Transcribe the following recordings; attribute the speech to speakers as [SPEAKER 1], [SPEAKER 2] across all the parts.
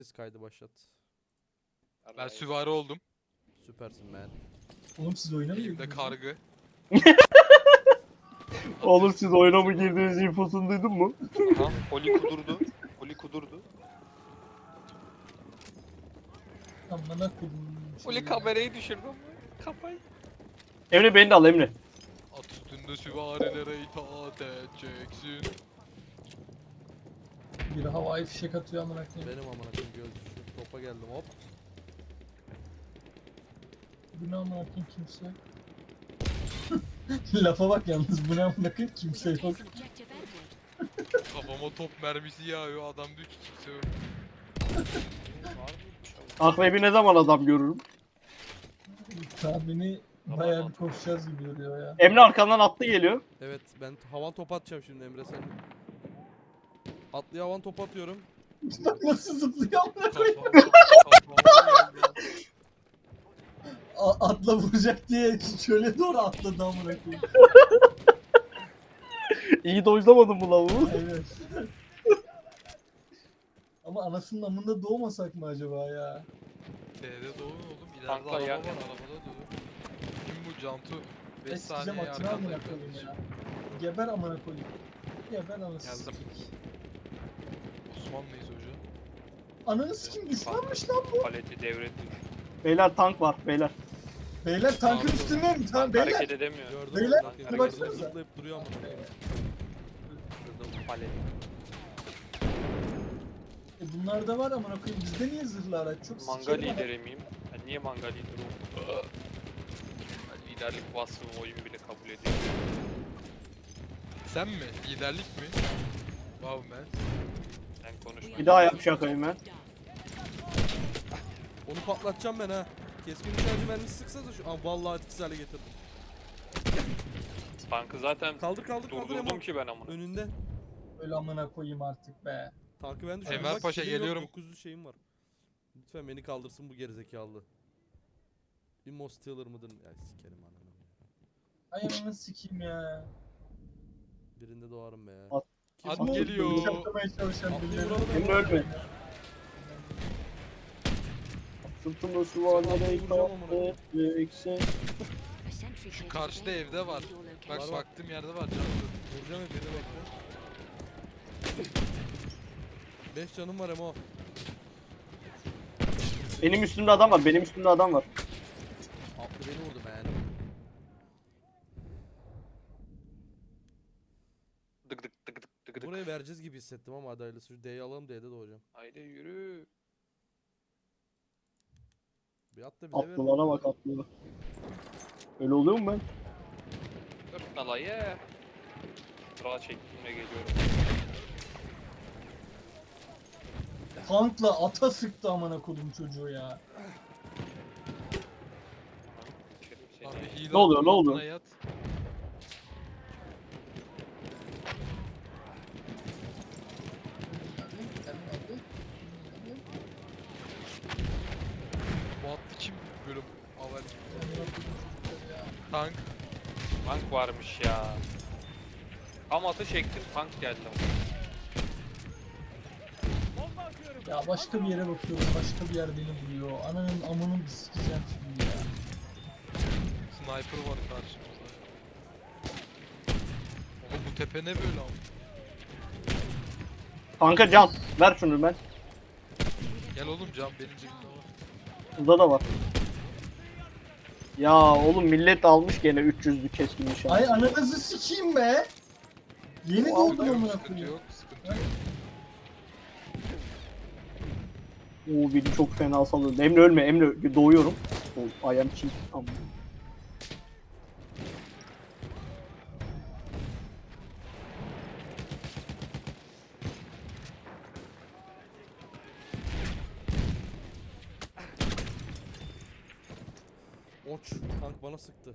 [SPEAKER 1] Ses kaydı başlat.
[SPEAKER 2] Ben süvari oldum.
[SPEAKER 1] Süpersin man.
[SPEAKER 3] Oğlum siz oynamıyor
[SPEAKER 2] Elimde
[SPEAKER 3] musunuz?
[SPEAKER 2] kargı.
[SPEAKER 4] Oğlum siz oyuna mı girdiğiniz infosunu duydun mu?
[SPEAKER 5] Aha, Oli kudurdu. Oli kudurdu.
[SPEAKER 3] Amına kodum.
[SPEAKER 5] Oli kamerayı düşürdü ama. Kafayı.
[SPEAKER 4] Emre beni de al Emre.
[SPEAKER 2] At üstünde süvarilere itaat edeceksin.
[SPEAKER 3] Bir havai fişek atıyor amına koyayım.
[SPEAKER 1] Benim amına koyayım gözcü. Topa geldim hop.
[SPEAKER 3] Bu ne amına koyayım kimse yok. Lafa bak yalnız bu ne amına koyayım kimse yok.
[SPEAKER 2] Kafama top mermisi yağıyor. Adam diyor ki kimse yok.
[SPEAKER 4] Akrebi ne zaman adam görürüm?
[SPEAKER 3] Tahmini bayağı bir koşacağız gibi duruyor ya.
[SPEAKER 4] Emre arkandan attı geliyor.
[SPEAKER 1] Evet ben havan top atacağım şimdi Emre sen. Atlıya havan top atıyorum.
[SPEAKER 3] Bak nasıl zıplıyor amına koyayım.
[SPEAKER 2] Kafama geldi.
[SPEAKER 3] Atla vuracak diye şöyle doğru atladı amına koyayım.
[SPEAKER 4] İyi dojlamadın bu lavuğu.
[SPEAKER 3] Evet. Ama anasının amında doğmasak mı acaba ya?
[SPEAKER 2] D'de doğru oğlum. İleride
[SPEAKER 5] Tankla
[SPEAKER 2] araba
[SPEAKER 5] ya.
[SPEAKER 2] var. Arabada doğru. Kim bu Cantu? 5
[SPEAKER 3] Eskicem
[SPEAKER 2] saniye
[SPEAKER 3] atını amına
[SPEAKER 2] arkandayım
[SPEAKER 3] koyayım
[SPEAKER 2] kardeşim.
[SPEAKER 3] ya. Geber amına koyayım. Geber anasını
[SPEAKER 5] Geldim.
[SPEAKER 3] sikeyim.
[SPEAKER 2] Osmanlıyız hoca.
[SPEAKER 3] Ananı sikeyim düşmanmış lan bu.
[SPEAKER 5] Paleti devretti.
[SPEAKER 4] Beyler tank var beyler.
[SPEAKER 3] Beyler tankın
[SPEAKER 2] Pardon.
[SPEAKER 3] üstünde mi? Tamam
[SPEAKER 5] Hareket
[SPEAKER 3] beyler.
[SPEAKER 5] edemiyor.
[SPEAKER 1] Gördüm
[SPEAKER 3] Beyler,
[SPEAKER 1] amına koyayım.
[SPEAKER 3] hadi
[SPEAKER 1] Gördüm,
[SPEAKER 3] baksanıza.
[SPEAKER 1] zıplayıp duruyor amına koyayım.
[SPEAKER 5] Palet.
[SPEAKER 3] Bunlar da var amına koyayım. Bizde niye zırhlı araç? Çok
[SPEAKER 5] Manga
[SPEAKER 3] sikerim ama.
[SPEAKER 5] lideri miyim? Ben niye manga lideri oldum? Ben liderlik vasfımı oyun bile kabul ediyor.
[SPEAKER 2] Sen mi? Liderlik mi? Wow man.
[SPEAKER 5] Sen konuşma.
[SPEAKER 4] Bir daha yap şakayı ben.
[SPEAKER 1] Onu patlatacağım ben ha. Keskin nişancı mermisi sıksa da şu an vallahi etkisiz hale getirdim.
[SPEAKER 5] Tankı zaten
[SPEAKER 1] Kaldır Emo.
[SPEAKER 5] durdurdum ki ben amına.
[SPEAKER 1] Önünde.
[SPEAKER 3] Öyle amına koyayım artık be.
[SPEAKER 1] Tankı ben düşürdüm.
[SPEAKER 2] Enver
[SPEAKER 1] Bak,
[SPEAKER 2] Paşa,
[SPEAKER 1] şeyim yok,
[SPEAKER 2] geliyorum.
[SPEAKER 1] 900 şeyim var. Lütfen beni kaldırsın bu gerizekalı. Immo Stealer mıdır? Ya sikerim ananı.
[SPEAKER 3] Ay ananı sikeyim ya.
[SPEAKER 1] Birinde doğarım be.
[SPEAKER 4] At.
[SPEAKER 1] Kim
[SPEAKER 2] At
[SPEAKER 1] bu?
[SPEAKER 2] geliyor.
[SPEAKER 3] Bıçaklamaya çalışan
[SPEAKER 1] Atlıyı
[SPEAKER 3] birileri.
[SPEAKER 1] vuralım
[SPEAKER 4] Emre
[SPEAKER 1] Emo.
[SPEAKER 4] ölme. Sırtımda süvarlere itaat edeceksin.
[SPEAKER 2] Şu karşıda evde var. Bak
[SPEAKER 1] Var, var.
[SPEAKER 2] baktığım yerde var Cantu.
[SPEAKER 1] Vuracağım hep beni bekle. 5 canım var Emo.
[SPEAKER 4] Benim üstümde adam var. Benim üstümde adam var.
[SPEAKER 1] Atlı beni vurdu ben.
[SPEAKER 5] Dık dık dık dık dık dık.
[SPEAKER 1] Burayı vereceğiz gibi hissettim ama hadi hayırlısı. Şu D'yi alalım D'de doğacağım.
[SPEAKER 5] Haydi yürü.
[SPEAKER 1] Bir at da bize ver.
[SPEAKER 4] Atlılara bak atlılara. Öyle oluyor mu ben?
[SPEAKER 5] Dur dalayı. Sıra çektiğimle geliyorum.
[SPEAKER 3] Tankla ata sıktı amına kodum çocuğu ya.
[SPEAKER 5] İçerim seni.
[SPEAKER 2] Abi hile
[SPEAKER 4] Ne oluyor, ne
[SPEAKER 2] altına
[SPEAKER 4] oluyor?
[SPEAKER 2] Yat. Bu attı kim bölüm? Avel. Tank.
[SPEAKER 5] Tank varmış ya. Tam atı çektim, tank geldi.
[SPEAKER 3] Ya başka bir yere bakıyorum. Başka bir yer beni buluyor. Ananın amının bir sikeceğim şimdi ya.
[SPEAKER 2] Sniper var karşımızda. Ama bu tepe ne böyle ama?
[SPEAKER 4] Kanka can. Ver şunu ben.
[SPEAKER 2] Gel oğlum can benim cebimde var.
[SPEAKER 4] Burada da var. Ya oğlum millet almış gene 300'lü keskin nişan.
[SPEAKER 3] Ay ananızı sikeyim be. Yeni doğdum amına
[SPEAKER 2] Sıkıntı
[SPEAKER 3] koyayım.
[SPEAKER 2] yok, sıkıntı yok.
[SPEAKER 4] Oo beni çok fena sallıyor. Emre ölme Emre doğuyorum. Oh, I am cheat. Amma.
[SPEAKER 1] Oç. Tank bana sıktı.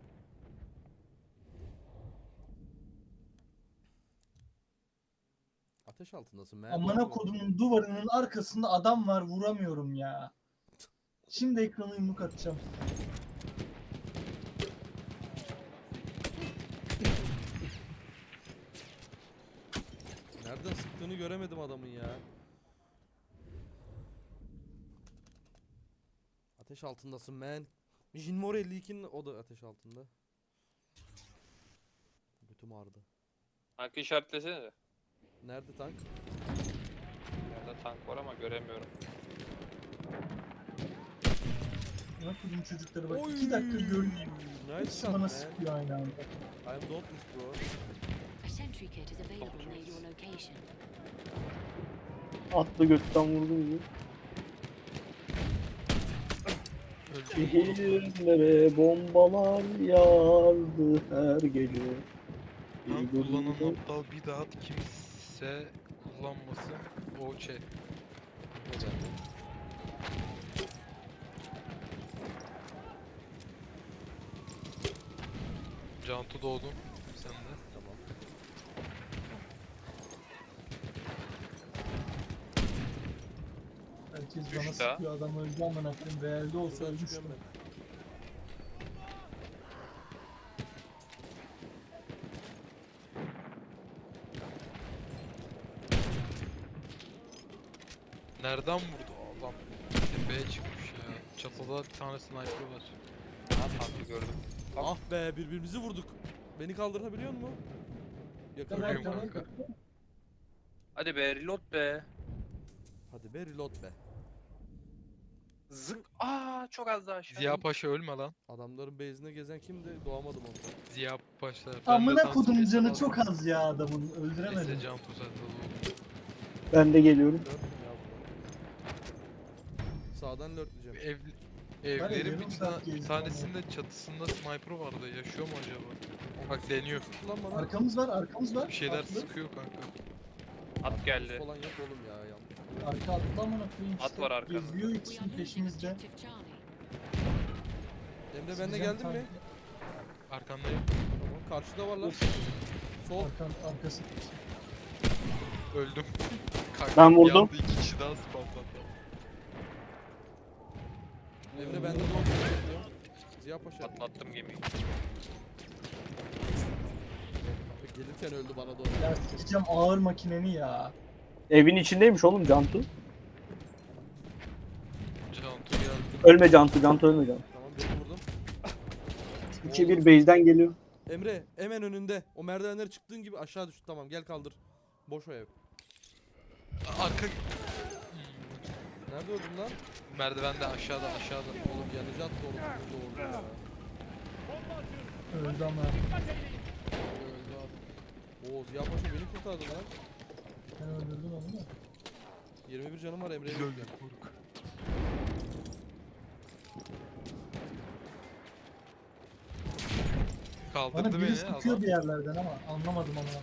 [SPEAKER 1] Ateş altındasın be.
[SPEAKER 3] Amına kodumun duvarının arkasında adam var vuramıyorum ya. Şimdi ekranı yumruk atacağım.
[SPEAKER 1] Nereden sıktığını göremedim adamın ya. Ateş altındasın man. Jinmor 52'nin o da ateş altında. Götüm ağrıdı.
[SPEAKER 5] Tankı işaretlesene de.
[SPEAKER 1] Nerede tank?
[SPEAKER 5] Yerde tank var ama göremiyorum.
[SPEAKER 3] Ne yapayım çocuklara bak.
[SPEAKER 1] Oy!
[SPEAKER 3] 2 dakika görmeyeyim.
[SPEAKER 1] Nice
[SPEAKER 3] Hepsi
[SPEAKER 1] shot
[SPEAKER 3] bana
[SPEAKER 1] man.
[SPEAKER 3] sıkıyor aynı anda.
[SPEAKER 1] I'm dauntless bro.
[SPEAKER 6] A sentry kit is available near your location.
[SPEAKER 4] Atlı götten vurdum gibi. Şehirlere bombalar yağardı her gece.
[SPEAKER 2] Tank kullanan aptal bir daha kimse kullanmasın. O şey. Cantu doğdun. Sen de.
[SPEAKER 1] Tamam.
[SPEAKER 3] Herkes
[SPEAKER 5] Düş
[SPEAKER 3] bana
[SPEAKER 5] daha.
[SPEAKER 3] sıkıyor. Adam öldü amına koyayım. Realde olsa
[SPEAKER 1] Şuradan
[SPEAKER 3] ölmüştüm.
[SPEAKER 1] çıkıyorum ben.
[SPEAKER 2] Nereden vurdu adam? Tepeye çıkmış ya. Çatıda bir tane sniper var.
[SPEAKER 5] Ha tankı gördüm.
[SPEAKER 1] Ah be birbirimizi vurduk. Beni kaldırabiliyor musun? Yakın.
[SPEAKER 3] Tamam,
[SPEAKER 2] Ölüyorum
[SPEAKER 3] tamam.
[SPEAKER 2] kanka.
[SPEAKER 5] Hadi be reload be.
[SPEAKER 1] Hadi be reload be.
[SPEAKER 5] Zınk. Aa çok az daha aşağı.
[SPEAKER 2] Ziya Paşa ölme lan.
[SPEAKER 1] Adamların base'ine gezen kimdi? Doğamadım ondan.
[SPEAKER 2] Ziya Paşa.
[SPEAKER 3] Amına kodum canı çok az ya adamın.
[SPEAKER 2] Neyse
[SPEAKER 3] Öldüremedim.
[SPEAKER 2] Cantu sen de doğdun.
[SPEAKER 4] Ben de geliyorum.
[SPEAKER 1] Lörtüm ya burada. Sağdan lörtleyeceğim.
[SPEAKER 2] Evlerin
[SPEAKER 3] yarım saat
[SPEAKER 2] bir
[SPEAKER 3] gezdim
[SPEAKER 2] tanesinde çatısında sniper vardı. Yaşıyor mu acaba? Bak deniyor.
[SPEAKER 1] Sıktı lan bana.
[SPEAKER 3] Arkamız var, arkamız var.
[SPEAKER 2] Bir şeyler
[SPEAKER 3] Atlı.
[SPEAKER 2] sıkıyor kanka.
[SPEAKER 5] At geldi.
[SPEAKER 1] Falan yok oğlum ya yanlış.
[SPEAKER 3] Arka atlı amına koyayım
[SPEAKER 5] At
[SPEAKER 3] işte.
[SPEAKER 5] var arkanda.
[SPEAKER 3] Geziyor
[SPEAKER 6] We
[SPEAKER 3] ikisinin
[SPEAKER 6] are losing
[SPEAKER 3] peşimizde.
[SPEAKER 6] objective Charlie.
[SPEAKER 1] Emre ben de
[SPEAKER 3] Sizden
[SPEAKER 1] geldin mi?
[SPEAKER 3] tank-
[SPEAKER 2] Arkandayım.
[SPEAKER 1] Tamam karşıda var lan. Sol.
[SPEAKER 3] Arkası.
[SPEAKER 2] Öldüm. Kanka,
[SPEAKER 4] Ben
[SPEAKER 2] bir
[SPEAKER 4] vurdum.
[SPEAKER 2] anda 2 kişi daha spamlandı.
[SPEAKER 1] Emre bende de oldu. Ziya Paşa.
[SPEAKER 5] Atlattım gemiyi.
[SPEAKER 1] Gelirken öldü bana doğru.
[SPEAKER 3] Ya sikeceğim ağır makineni ya.
[SPEAKER 4] Evin içindeymiş oğlum Cantu.
[SPEAKER 2] Cantu geldi.
[SPEAKER 4] Ölme Cantu, Cantu ölme Cantu.
[SPEAKER 1] Tamam birini vurdum.
[SPEAKER 4] 2-1 base'den geliyor.
[SPEAKER 1] Emre hemen önünde. O merdivenleri çıktığın gibi aşağı düştü. Tamam gel kaldır. Boş o ev.
[SPEAKER 2] Arka...
[SPEAKER 1] Nerede öldün lan?
[SPEAKER 2] Merdivende aşağıda.
[SPEAKER 1] Oğlum yanıcı attı oğlum. Doğru ya.
[SPEAKER 3] Öldü ama.
[SPEAKER 2] Öldü abi.
[SPEAKER 1] Oo Ziya Paşa beni kurtardı lan.
[SPEAKER 3] Ben öldürdüm onu da.
[SPEAKER 1] 21 canım var Emre'ye
[SPEAKER 2] Biz öldük
[SPEAKER 1] bekliyorum.
[SPEAKER 2] moruk.
[SPEAKER 3] Bana
[SPEAKER 2] Kaldırdı
[SPEAKER 3] biri
[SPEAKER 2] beni
[SPEAKER 3] sıkıyor
[SPEAKER 2] adam.
[SPEAKER 3] bir yerlerden ama anlamadım ama.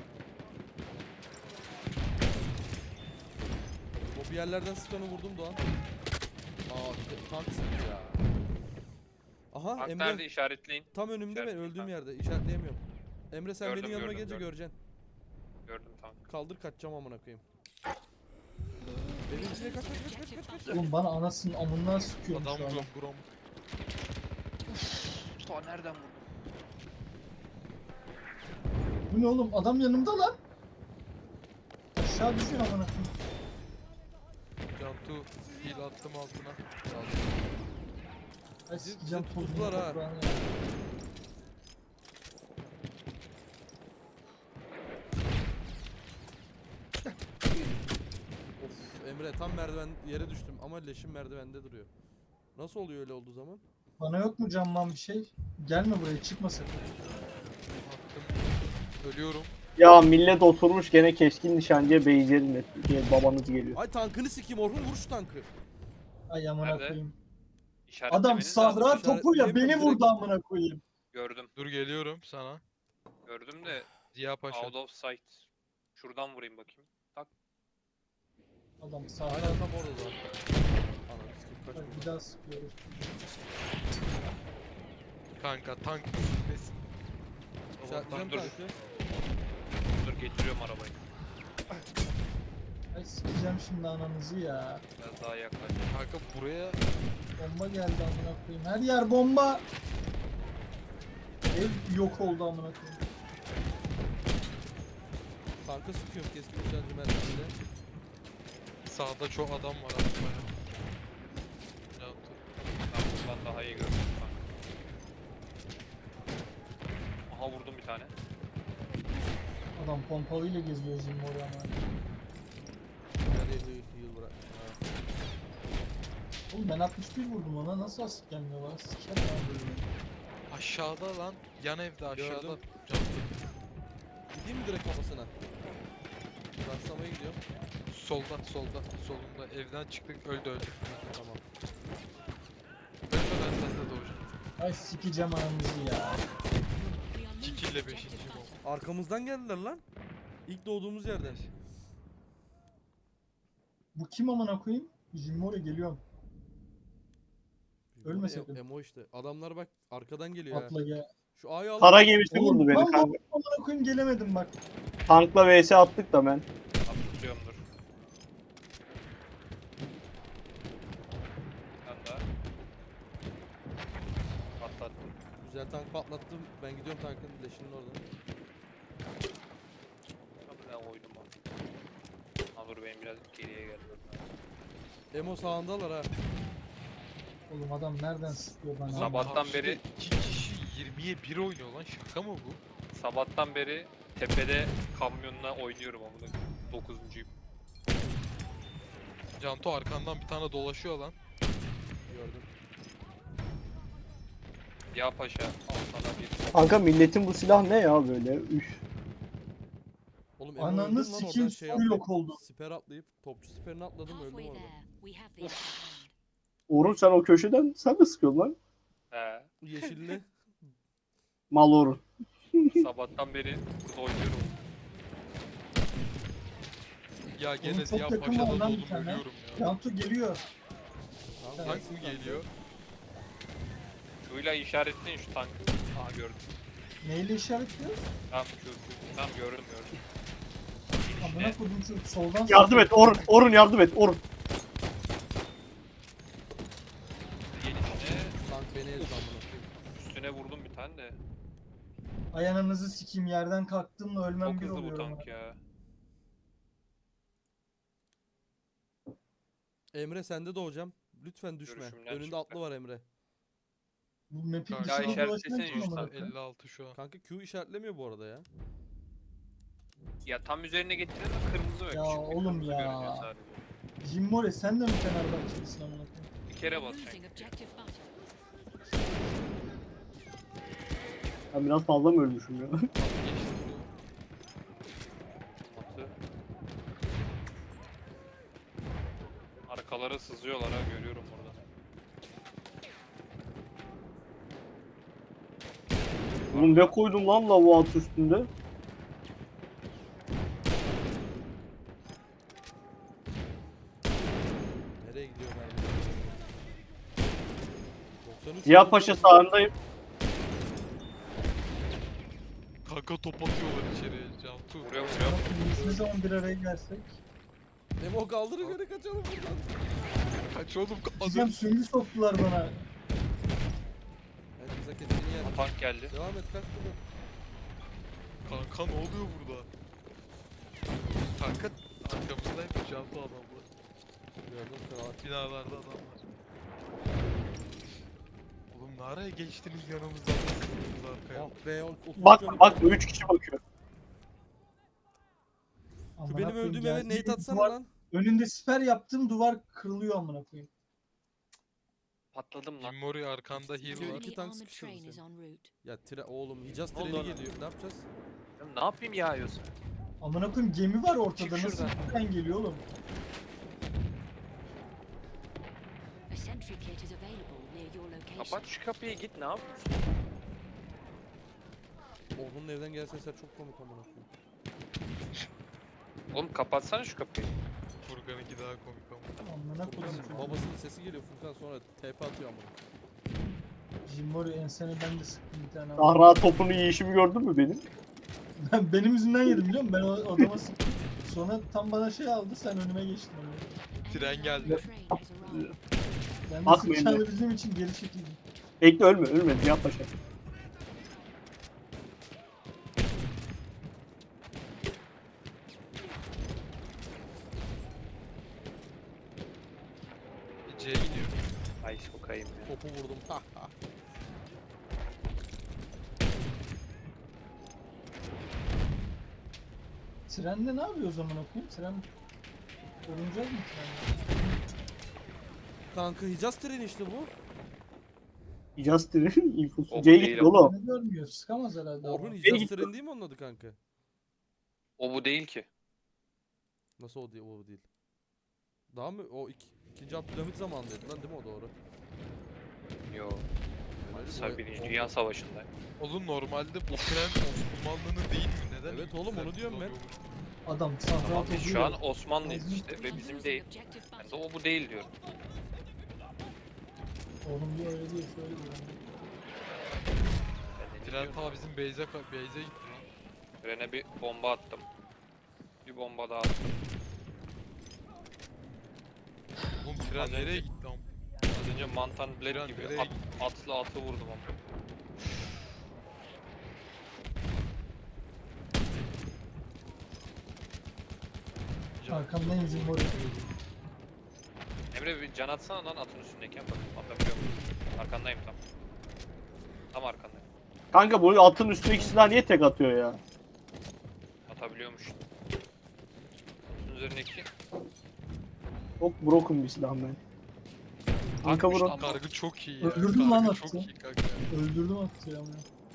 [SPEAKER 1] O bir yerlerden sıkanı vurdum Doğan. Aa tank sıktı ya. Aha
[SPEAKER 5] Tank
[SPEAKER 1] Emre
[SPEAKER 5] nerede işaretleyin.
[SPEAKER 1] tam önümde ben
[SPEAKER 5] İşaretleyin
[SPEAKER 1] öldüğüm
[SPEAKER 5] tank.
[SPEAKER 1] yerde işaretleyemiyorum. Emre sen
[SPEAKER 5] Gördüm,
[SPEAKER 1] benim yanıma
[SPEAKER 5] gördüm,
[SPEAKER 1] gelince
[SPEAKER 5] gördüm.
[SPEAKER 1] göreceksin.
[SPEAKER 5] Gördüm tank.
[SPEAKER 1] Kaldır kaçacağım amına koyayım. Benim içine kaç.
[SPEAKER 3] Oğlum bana anasının amından sıkıyormuş
[SPEAKER 2] Adam
[SPEAKER 3] şu an.
[SPEAKER 2] buram.
[SPEAKER 5] Mustafa nereden vurdun?
[SPEAKER 3] Bu ne oğlum? Adam yanımda lan. Aşağı düşüyor amına koyayım.
[SPEAKER 2] Cantu heal attım altına.
[SPEAKER 3] Ay
[SPEAKER 1] Bizi
[SPEAKER 3] sikeceğim
[SPEAKER 1] tuttular ha.
[SPEAKER 3] toprağını ya.
[SPEAKER 1] Of Emre tam merdiven yere düştüm ama leşim merdivende duruyor. Nasıl oluyor öyle olduğu zaman?
[SPEAKER 3] Bana yok mu camman bir şey? Gelme buraya çıkma sakın.
[SPEAKER 2] Attım. Ölüyorum.
[SPEAKER 4] Ya millet oturmuş gene keskin nişancıya base'lerin diye babanız geliyor.
[SPEAKER 1] Ay tankını sikeyim Orhun vur şu tankı.
[SPEAKER 3] Ay amına
[SPEAKER 5] Nerede?
[SPEAKER 3] koyayım.
[SPEAKER 5] İşaretlemeniz
[SPEAKER 3] Adam
[SPEAKER 5] lazım.
[SPEAKER 3] sahra topuyla beni
[SPEAKER 1] İşaretleyemiyorum,
[SPEAKER 3] vurdu
[SPEAKER 1] direkt-
[SPEAKER 3] amına koyayım.
[SPEAKER 5] Gördüm.
[SPEAKER 2] Dur geliyorum sana.
[SPEAKER 5] Gördüm de
[SPEAKER 2] Ziya Paşa.
[SPEAKER 5] out of sight. Şuradan vurayım bakayım. Tak.
[SPEAKER 3] Adam sahra.
[SPEAKER 1] Aynen tam orada da. Anam sikeyim kaç
[SPEAKER 3] Bak,
[SPEAKER 1] vurdu.
[SPEAKER 3] bir daha sıkıyoruz.
[SPEAKER 2] Kanka tank gitmesin.
[SPEAKER 1] İşaretleyeceğim
[SPEAKER 5] dur.
[SPEAKER 1] tankı.
[SPEAKER 5] Dur getiriyorum arabayı.
[SPEAKER 3] Ay sikeceğim şimdi ananızı ya.
[SPEAKER 5] Biraz daha yaklaş.
[SPEAKER 2] Kanka buraya
[SPEAKER 3] Bomba geldi amına koyayım. Her yer bomba. Ev yok oldu amına koyayım.
[SPEAKER 1] Tanka sıkıyorum keskin nişancı merdiveninde.
[SPEAKER 2] sağda çok adam var aslında. Cantu.
[SPEAKER 3] pompalıyla geziyor Jimmori ama.
[SPEAKER 1] Nereye heal bırak. Ha.
[SPEAKER 3] Oğlum ben 61 vurdum ona, nasıl asık gelmiyor lan? Sikerim abi böyle.
[SPEAKER 2] Aşağıda lan. Yan evde aşağıda.
[SPEAKER 1] Gördüm.
[SPEAKER 2] Cantu.
[SPEAKER 1] Gideyim mi direkt kafasına? Rastlamaya gidiyorum.
[SPEAKER 2] Solda. Solunda. Evden çıktık. Öldü.
[SPEAKER 1] Tamam.
[SPEAKER 2] Ölme ben sende doğacağım.
[SPEAKER 3] Ay sikeceğim anamızı ya.
[SPEAKER 6] We are losing
[SPEAKER 2] 2 ile
[SPEAKER 6] objective
[SPEAKER 2] 5.
[SPEAKER 6] butter.
[SPEAKER 2] gol.
[SPEAKER 1] Arkamızdan geldiler lan. İlk doğduğumuz yerden.
[SPEAKER 3] Bu kim amına koyayım? Jimmori geliyorum. Ölme sakın.
[SPEAKER 1] Emo işte. Adamlar bak arkadan geliyor ha.
[SPEAKER 3] Atla gel.
[SPEAKER 1] Şu A'yı al.
[SPEAKER 4] Kara gemisi
[SPEAKER 3] Oğlum
[SPEAKER 4] vurdu beni
[SPEAKER 3] lan
[SPEAKER 4] kanka.
[SPEAKER 3] amına koyayım gelemedim bak.
[SPEAKER 4] Tankla vs attık da ben.
[SPEAKER 5] Abi tutuyorumdur. Ben daha. Atlattım.
[SPEAKER 1] Güzel tank patlattım. Ben gidiyorum tankın leşinin oradan.
[SPEAKER 5] Abi ben oydum abi. Ha dur benim biraz geriye geldi.
[SPEAKER 1] Emo sağındalar ha.
[SPEAKER 3] Oğlum adam nereden sıkıyor bana?
[SPEAKER 5] Sabahtan beri-
[SPEAKER 2] 2 kişi 20'ye 1 oynuyor lan. Şaka mı bu?
[SPEAKER 5] Sabahtan beri tepede kamyonla oynuyorum amına. 9'uncuyum.
[SPEAKER 2] Cantu arkandan bir tane dolaşıyor lan.
[SPEAKER 1] Gördüm.
[SPEAKER 5] Ya paşa al sana bir.
[SPEAKER 4] Kanka milletin bu silah ne ya böyle? Üf.
[SPEAKER 1] Oğlum Emo
[SPEAKER 3] Ananı
[SPEAKER 1] öldüm lan
[SPEAKER 3] sikeyim,
[SPEAKER 1] oradan şey
[SPEAKER 3] full
[SPEAKER 1] atlayıp.
[SPEAKER 3] yok oldu.
[SPEAKER 1] Siper atlayıp topçu siperini atladım öldüm
[SPEAKER 6] Halfway
[SPEAKER 1] orada.
[SPEAKER 6] there, we have the upper hand.
[SPEAKER 4] Orun sen o köşeden sen de sıkıyorsun lan.
[SPEAKER 5] He.
[SPEAKER 1] Yeşilli.
[SPEAKER 4] Mal Orun.
[SPEAKER 5] Sabahtan beri burada oynuyorum.
[SPEAKER 2] Ya
[SPEAKER 3] Oğlum
[SPEAKER 2] gene
[SPEAKER 3] çok
[SPEAKER 2] Ziya
[SPEAKER 3] yakın
[SPEAKER 2] Paşa'da
[SPEAKER 3] var lan bir
[SPEAKER 2] dolum
[SPEAKER 3] tane.
[SPEAKER 2] ölüyorum ya.
[SPEAKER 3] Yantu geliyor.
[SPEAKER 1] Tamam,
[SPEAKER 2] Tank
[SPEAKER 1] gelsin
[SPEAKER 2] mı
[SPEAKER 1] kanka.
[SPEAKER 2] geliyor?
[SPEAKER 5] Şuyla işaretleyin şu tankı. Aha gördüm.
[SPEAKER 3] Neyle işaretliyor?
[SPEAKER 5] Tamam tamam gördüm.
[SPEAKER 3] Amına koydum şu soldan
[SPEAKER 4] Yardım et Orun. Orun yardım et Orun.
[SPEAKER 5] Gelişine
[SPEAKER 1] Tank beni ezdi amına koyayım.
[SPEAKER 5] üstüne vurdum bir tane de.
[SPEAKER 3] Ay ananızı sikeyim, yerden kalktığımla ölmem
[SPEAKER 5] Çok
[SPEAKER 3] bir
[SPEAKER 5] hızlı bu
[SPEAKER 3] oluyor.
[SPEAKER 5] tank ya.
[SPEAKER 1] Emre sende doğacağım. Lütfen düşme.
[SPEAKER 5] Görüşümden
[SPEAKER 1] Önünde
[SPEAKER 5] çıktı.
[SPEAKER 1] atlı var Emre.
[SPEAKER 3] Bu map'i
[SPEAKER 2] Ya
[SPEAKER 3] dışına
[SPEAKER 5] işaretlesene
[SPEAKER 3] dolaşmak için
[SPEAKER 5] şu
[SPEAKER 3] amına
[SPEAKER 5] tankı.
[SPEAKER 3] koyayım.
[SPEAKER 2] 56 şu an.
[SPEAKER 1] Kanka Q işaretlemiyor bu arada ya.
[SPEAKER 5] Ya tam üzerine getirdin de kırmızı ve
[SPEAKER 3] Ya
[SPEAKER 5] küçük bir
[SPEAKER 3] oğlum
[SPEAKER 5] kırmızı
[SPEAKER 3] ya.
[SPEAKER 5] görünüyor sadece.
[SPEAKER 3] Jimmori sen de mi Fenerbahçelisin amına koyayım?
[SPEAKER 5] Bir
[SPEAKER 6] We
[SPEAKER 5] kere
[SPEAKER 6] are
[SPEAKER 5] basacaksın.
[SPEAKER 6] losing objective butter.
[SPEAKER 4] Ben biraz fazla mı ölmüşüm ya?
[SPEAKER 2] Geçti
[SPEAKER 5] Atı. Arkalara sızıyorlar ha görüyorum burada.
[SPEAKER 4] Oğlum ne koydum lan lavuğu at üstünde?
[SPEAKER 1] Nereye gidiyor mermi? 93
[SPEAKER 4] Ziya
[SPEAKER 1] vurdum
[SPEAKER 4] Paşa
[SPEAKER 1] lan.
[SPEAKER 4] sağındayım.
[SPEAKER 2] bu. Kanka top atıyorlar içeriye Cantu.
[SPEAKER 5] Vuruyor
[SPEAKER 3] Amına
[SPEAKER 5] vuruyor.
[SPEAKER 3] koyayım, biz ne zaman bir araya gelsek?
[SPEAKER 1] Emo kaldırın göre kaçalım buradan.
[SPEAKER 2] Kaç oğlum az
[SPEAKER 3] Diyeceğim
[SPEAKER 2] önce.
[SPEAKER 3] süngü soktular bana.
[SPEAKER 1] Evet bize ketini yer.
[SPEAKER 5] Tank geldi.
[SPEAKER 1] Devam et kaç burada.
[SPEAKER 2] Kanka ne oluyor burada? Kanka arkamızdaydı Cantu adamlar.
[SPEAKER 1] Gördüm kral.
[SPEAKER 2] Binalarda adam var. Oğlum ne araya geçtiniz yanımızdan da sıkıldınız arkaya.
[SPEAKER 1] Ah be 33
[SPEAKER 4] Bak
[SPEAKER 1] canım.
[SPEAKER 4] bak 3 kişi bakıyor.
[SPEAKER 1] Şu
[SPEAKER 3] Amına
[SPEAKER 1] benim
[SPEAKER 3] koyayım,
[SPEAKER 1] öldüğüm
[SPEAKER 3] geldi
[SPEAKER 1] eve nade
[SPEAKER 3] bir
[SPEAKER 1] atsana
[SPEAKER 3] duvar-
[SPEAKER 1] lan.
[SPEAKER 3] Önünde siper yaptım, duvar kırılıyor amına koyayım.
[SPEAKER 5] Patladım lan.
[SPEAKER 2] Jimmori arkanda heal
[SPEAKER 1] İki-
[SPEAKER 2] var.
[SPEAKER 6] Enemy
[SPEAKER 1] iki tank
[SPEAKER 6] armored
[SPEAKER 1] sıkıştırdı
[SPEAKER 6] train is
[SPEAKER 1] seni.
[SPEAKER 6] en route.
[SPEAKER 1] Ya oğlum Hicaz
[SPEAKER 5] Ne oldu
[SPEAKER 1] treni
[SPEAKER 5] ona?
[SPEAKER 1] geliyor. Ne yapacağız?
[SPEAKER 5] Ya ne yapayım yağıyorsun?
[SPEAKER 3] Amına koyayım gemi var ortada,
[SPEAKER 5] Çık
[SPEAKER 3] nasıl
[SPEAKER 5] şuradan.
[SPEAKER 3] bir tren geliyor oğlum?
[SPEAKER 6] A sentry kit is available near your location.
[SPEAKER 5] Kapat şu kapıyı git ne yapıyorsun?
[SPEAKER 1] Orhun'un evden gelen sesler çok komik amına koyayım.
[SPEAKER 5] Oğlum kapatsana şu kapıyı.
[SPEAKER 2] Furkan'ınki daha komik ama.
[SPEAKER 3] Amına koyayım.
[SPEAKER 1] Furkan babasının sesi geliyor Furkan sonra TP atıyor amına.
[SPEAKER 3] Jimmori ensene ben de sıktım bir tane.
[SPEAKER 4] Sahra topunu yiyişimi gördün mü benim?
[SPEAKER 3] Benim yüzümden yedim biliyor musun? Ben o adama sıktım. Sonra tam bana şey aldı, sen önüme geçtin. Amına.
[SPEAKER 2] Tren geldi.
[SPEAKER 6] Train has arrived.
[SPEAKER 3] Ben de
[SPEAKER 4] Bakmayın
[SPEAKER 3] sıkacağını
[SPEAKER 4] de.
[SPEAKER 3] bildiğim için geri çekildim.
[SPEAKER 4] Bekle ölme Ziya Paşa.
[SPEAKER 2] C'ye gidiyor.
[SPEAKER 5] Ay sokayım ya.
[SPEAKER 1] Topu vurdum. Ha ha.
[SPEAKER 3] Trende ne yapıyor o zaman okuyayım? Tren olunacak mı trende?
[SPEAKER 1] Kanka Hicaz treni işte bu.
[SPEAKER 4] Justin'in infosu.
[SPEAKER 5] O bu
[SPEAKER 4] C'ye
[SPEAKER 5] değil
[SPEAKER 4] gitti
[SPEAKER 5] ama.
[SPEAKER 4] oğlum.
[SPEAKER 3] Ne görmüyor? Sıkamaz herhalde.
[SPEAKER 1] Orhun
[SPEAKER 3] ama.
[SPEAKER 1] Hicaz
[SPEAKER 4] gitti.
[SPEAKER 1] treni değil mi onun adı kanka?
[SPEAKER 5] O bu değil ki.
[SPEAKER 1] Nasıl o değil? O değil. Daha mı? O ikinci Abdülhamit zamanındaydı lan değil mi o doğru?
[SPEAKER 5] Yo.
[SPEAKER 1] Öyle
[SPEAKER 5] Sen
[SPEAKER 1] değil mi?
[SPEAKER 5] Birinci Dünya Savaşı'nda.
[SPEAKER 2] Oğlum normalde bu tren Osmanlı'nın değil mi? Neden?
[SPEAKER 1] Evet oğlum, onu
[SPEAKER 2] İngilizler
[SPEAKER 1] diyorum ben.
[SPEAKER 2] kullanıyormuş?
[SPEAKER 3] Adam sahra
[SPEAKER 5] Ama biz şu an
[SPEAKER 3] tozuyor.
[SPEAKER 5] Osmanlıyız işte
[SPEAKER 6] We
[SPEAKER 5] ve
[SPEAKER 6] are
[SPEAKER 5] bizim
[SPEAKER 6] losing
[SPEAKER 5] değil.
[SPEAKER 6] objective
[SPEAKER 5] Ben de
[SPEAKER 6] butter.
[SPEAKER 5] o bu değil diyorum.
[SPEAKER 3] Oğlum diyor öyle değil şöyle diyor.
[SPEAKER 5] Ben de
[SPEAKER 2] Tren
[SPEAKER 5] diyorum.
[SPEAKER 2] ta bizim base'e gitti lan.
[SPEAKER 5] Trene bir bomba attım. Bir bomba daha attım.
[SPEAKER 2] Oğlum tren
[SPEAKER 5] Az
[SPEAKER 2] nereye
[SPEAKER 5] önce-
[SPEAKER 2] gitti am?
[SPEAKER 5] Az önce Mantan
[SPEAKER 2] Tren
[SPEAKER 5] Blade gibi
[SPEAKER 2] nereye gitti?
[SPEAKER 5] atlı atı vurdum ama.
[SPEAKER 3] Arkamdan izin var.
[SPEAKER 5] Emre bir can atsana lan atın üstündeyken bak atabiliyor muyum? Arkandayım tam. Tam arkandayım.
[SPEAKER 4] Kanka bu atın üstündeki silah niye tek atıyor ya?
[SPEAKER 5] Atabiliyormuş. Atın üzerindeki
[SPEAKER 4] Çok broken bir silah ben. Kanka
[SPEAKER 5] Tankmış
[SPEAKER 4] bro.
[SPEAKER 5] lan bu.
[SPEAKER 2] Kargı çok iyi ya.
[SPEAKER 3] Öldürdüm lan
[SPEAKER 2] Kargı çok
[SPEAKER 3] atı.
[SPEAKER 2] iyi kanka.
[SPEAKER 3] Öldürdüm attı ya.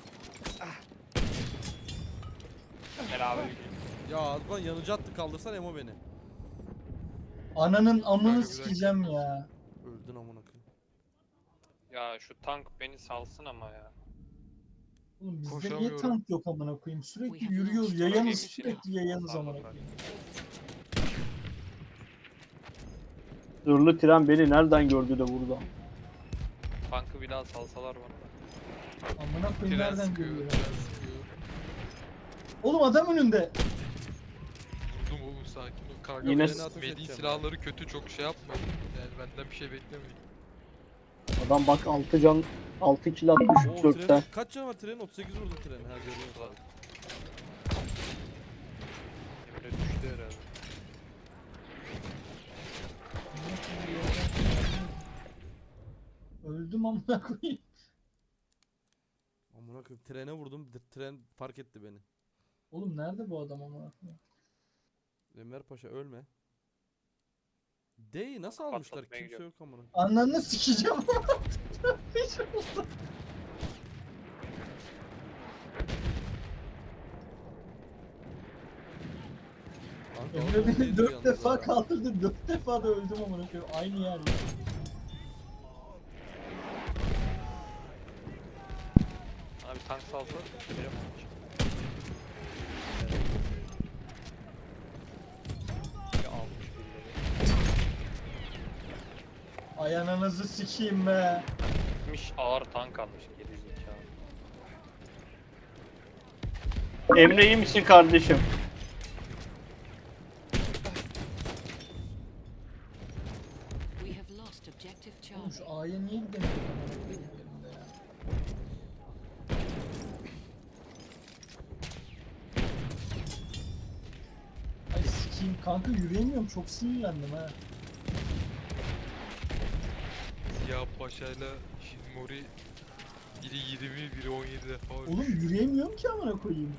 [SPEAKER 5] Beraber
[SPEAKER 1] Ya Advan yanıcı attı, kaldırsan Emo beni.
[SPEAKER 3] Ananın
[SPEAKER 2] Kanka
[SPEAKER 3] amını
[SPEAKER 2] bir dakika.
[SPEAKER 3] sikeceğim ya.
[SPEAKER 1] Öldün amına koyayım.
[SPEAKER 5] Ya şu tank beni salsın ama ya.
[SPEAKER 3] Oğlum bizde niye
[SPEAKER 2] Koşamıyorum.
[SPEAKER 3] tank yok amına koyayım? Sürekli
[SPEAKER 6] We have
[SPEAKER 3] yürüyoruz.
[SPEAKER 6] lost
[SPEAKER 3] Yayanız
[SPEAKER 5] our
[SPEAKER 3] sürekli yayanız
[SPEAKER 5] Pardon,
[SPEAKER 3] amına
[SPEAKER 5] pardon.
[SPEAKER 3] koyayım.
[SPEAKER 4] Zırhlı tren beni nereden gördü de vurdu?
[SPEAKER 5] Tankı bir daha salsalar bana da.
[SPEAKER 3] Amına koyayım
[SPEAKER 2] Tren
[SPEAKER 3] nereden
[SPEAKER 2] sıkıyor,
[SPEAKER 3] görüyor?
[SPEAKER 2] tren sıkıyor.
[SPEAKER 3] Oğlum adam önünde.
[SPEAKER 2] Vurdum oğlum sakin ol. Karga
[SPEAKER 4] Yine
[SPEAKER 2] benim
[SPEAKER 1] ateş
[SPEAKER 2] Medi
[SPEAKER 1] edeceğim.
[SPEAKER 2] silahları kötü çok şey yapmayın. Yani benden bir şey beklemeyin.
[SPEAKER 4] Adam bak 6 can 6 kill atmış
[SPEAKER 1] O
[SPEAKER 4] 4'te.
[SPEAKER 1] trenin kaç canı var trenin? 38 vurdum treni. Ha görüyorum abi.
[SPEAKER 5] Emre düştü herhalde.
[SPEAKER 3] Öldüm amına koyayım.
[SPEAKER 1] Amına koyayım trene vurdum. Tren fark etti beni.
[SPEAKER 3] Oğlum nerede bu adam amına koyayım?
[SPEAKER 1] Enver Paşa ölme. D'yi nasıl almışlar?
[SPEAKER 5] Patlatmaya
[SPEAKER 1] Kimse
[SPEAKER 5] gidiyorum.
[SPEAKER 1] yok amına.
[SPEAKER 3] Ananı sikeceğim.
[SPEAKER 1] Kanka,
[SPEAKER 3] Emre
[SPEAKER 1] orada
[SPEAKER 3] beni
[SPEAKER 1] değildi
[SPEAKER 3] 4
[SPEAKER 1] yalnız
[SPEAKER 3] defa
[SPEAKER 1] ha.
[SPEAKER 3] kaldırdı. 4 defa da öldüm amına koyayım. Aynı yer ya.
[SPEAKER 5] Bana bir tank salsa. Biliyor musun? Bir almış birileri.
[SPEAKER 3] Ay ananızı sikeyim be.
[SPEAKER 5] Gitmiş ağır tank almış gerizekalı.
[SPEAKER 4] Emre iyi misin kardeşim?
[SPEAKER 6] We have lost objective
[SPEAKER 3] Oğlum
[SPEAKER 6] Charlie.
[SPEAKER 3] şu A'ya niye gidemiyorum amına koyayım yerinde ya. Ay sikeyim kanka yürüyemiyorum çok sinirlendim ha.
[SPEAKER 2] Siyah Paşa'yla Shinmori biri 20, biri 17 defa ölmüş.
[SPEAKER 3] Oğlum yürüyemiyorum ki amına koyayım.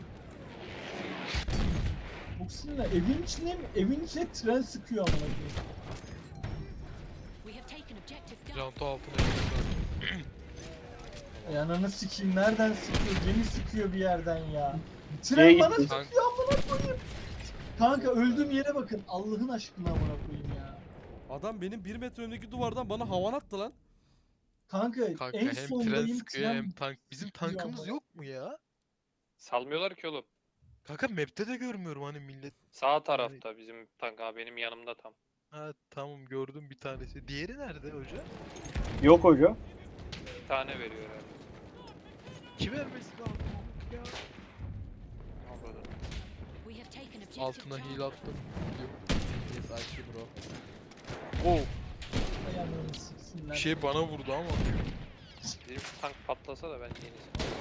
[SPEAKER 3] Çok sinirlen. Evin içine tren sıkıyor amına koyayım.
[SPEAKER 6] We have taken objective Duff.
[SPEAKER 2] Janto altına girdi.
[SPEAKER 3] Ay ananı sikeyim nereden sıkıyor? Beni sıkıyor bir yerden ya.
[SPEAKER 4] Neye
[SPEAKER 3] Tren bana
[SPEAKER 4] gitti?
[SPEAKER 3] sıkıyor amına koyayım. Kanka öldüğüm yere bakın. Allah'ın aşkına amına koyayım ya.
[SPEAKER 1] Adam benim 1 metre önündeki duvardan bana havan attı lan.
[SPEAKER 3] Kanka,
[SPEAKER 2] Kanka
[SPEAKER 3] en
[SPEAKER 2] hem tren
[SPEAKER 3] sondayım
[SPEAKER 2] sıkıyor
[SPEAKER 3] tren
[SPEAKER 2] hem tank. Bizim
[SPEAKER 3] sıkıyor
[SPEAKER 2] tankımız
[SPEAKER 3] ama.
[SPEAKER 2] yok mu ya?
[SPEAKER 5] Salmıyorlar ki oğlum.
[SPEAKER 2] Kanka map'te de görmüyorum hani millet.
[SPEAKER 5] Sağ tarafta bizim tank ha benim yanımda tam.
[SPEAKER 2] Ha tamam gördüm bir tanesi. Diğeri nerede hoca?
[SPEAKER 4] Yok hoca.
[SPEAKER 5] Bir tane veriyor herhalde.
[SPEAKER 2] Kim vermesi lazım ya?
[SPEAKER 5] Anladım.
[SPEAKER 6] We have taken objective
[SPEAKER 2] Altına
[SPEAKER 6] Charlie.
[SPEAKER 2] heal attım. Yok.
[SPEAKER 1] Yes I see bro.
[SPEAKER 2] Oh,
[SPEAKER 3] Ay ananı siksinler.
[SPEAKER 2] bir şey bana vurdu ama.
[SPEAKER 5] Bizim şu tank patlasa da ben yenisini.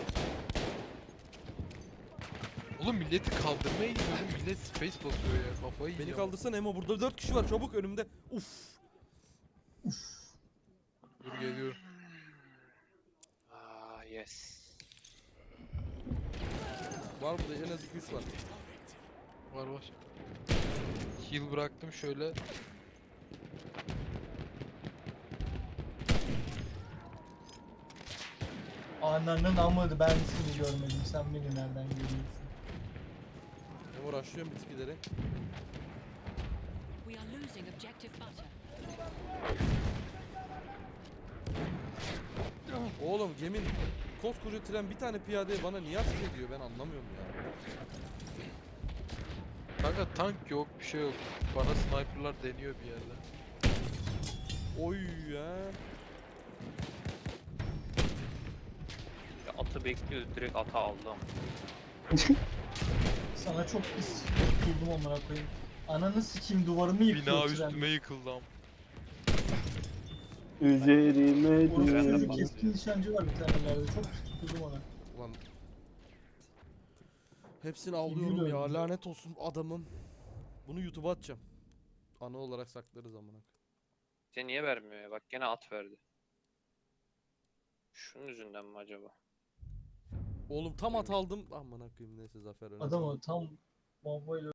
[SPEAKER 2] Oğlum milleti kaldırmaya gidiyorum. Millet space basıyor ya. Kafayı
[SPEAKER 1] Beni
[SPEAKER 2] yiyeceğim.
[SPEAKER 1] kaldırsan Emo, burada 4 kişi var çabuk önümde. Uf.
[SPEAKER 2] Dur geliyorum.
[SPEAKER 5] Ah yes.
[SPEAKER 1] Var burada en az 2-3 var.
[SPEAKER 2] Var var. Heal bıraktım şöyle.
[SPEAKER 3] Ananın amı ben seni görmedim. Sen beni nereden görüyorsun?
[SPEAKER 1] Memo rushlıyorum bitkileri.
[SPEAKER 6] We are losing objective butter.
[SPEAKER 1] Oğlum gemin koskoca tren bir tane piyadeye bana niye ateş ediyor ben anlamıyorum ya.
[SPEAKER 2] Kanka tank yok, bir şey yok. Bana sniperlar deniyor bir yerde.
[SPEAKER 1] Oy ya.
[SPEAKER 5] Ya atı bekliyordu direkt ata aldım.
[SPEAKER 3] Sana çok pis tutuldum amına koyayım. Ananı sikeyim duvarımı yıkıyor
[SPEAKER 2] Bina
[SPEAKER 3] tren.
[SPEAKER 2] üstüme yıkıldı am.
[SPEAKER 4] Üzerime
[SPEAKER 3] Orası
[SPEAKER 5] Trenden
[SPEAKER 3] çocuk
[SPEAKER 4] düştü.
[SPEAKER 3] keskin nişancı var bir tane ileride. Çok pis tutuldum ona.
[SPEAKER 1] Ulan. Hepsini avlıyorum
[SPEAKER 3] Yemin
[SPEAKER 1] ya
[SPEAKER 3] öldüm.
[SPEAKER 1] lanet olsun adamım. Bunu YouTube'a atacağım. Ana olarak saklarız amına.
[SPEAKER 5] Bize niye vermiyor ya? Bak gene at verdi. Şunun yüzünden mi acaba?
[SPEAKER 1] Oğlum tam at aldım. Amına koyayım neyse zafer önemli.
[SPEAKER 3] Adam o tam bombayla